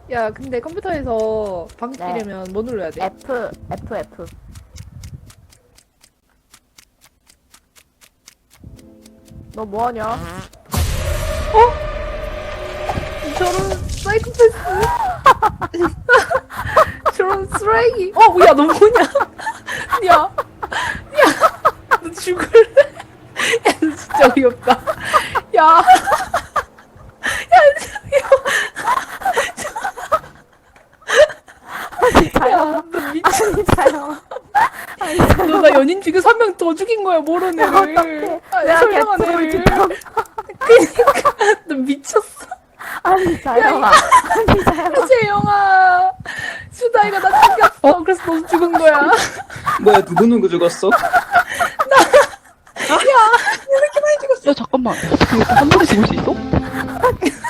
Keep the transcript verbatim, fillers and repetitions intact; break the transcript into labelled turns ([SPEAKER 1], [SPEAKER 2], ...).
[SPEAKER 1] 야, 근데 컴퓨터에서 방귀
[SPEAKER 2] 네.
[SPEAKER 1] 끼려면 뭐 눌러야 돼?
[SPEAKER 2] F, F, F. 너 뭐하냐?
[SPEAKER 1] 저런 사이코패스. 저런 쓰레기. 어, 야, 너 뭐냐? 야, 야, 너 죽을래? 야, 너 진짜 어이없다. 야, 야, 야, 너 미친.
[SPEAKER 2] 진짜요.
[SPEAKER 1] 너 나 연인 죽여서 한 명 더 죽인 거야, 모르는 애를. 아,
[SPEAKER 2] 내가
[SPEAKER 1] 설명한
[SPEAKER 2] 개뿔
[SPEAKER 1] 애를.
[SPEAKER 2] 진짜.
[SPEAKER 1] 그니까, 너 미쳤어.
[SPEAKER 2] 아니, 자영아. 아니, 자영아.
[SPEAKER 1] 재영아. 수다이가 나 죽였어. 그래서 너 죽은 거야.
[SPEAKER 3] 뭐야 누구 누구 죽었어?
[SPEAKER 4] 야 잠깐만. 이거 한 번에 죽을 수 있어?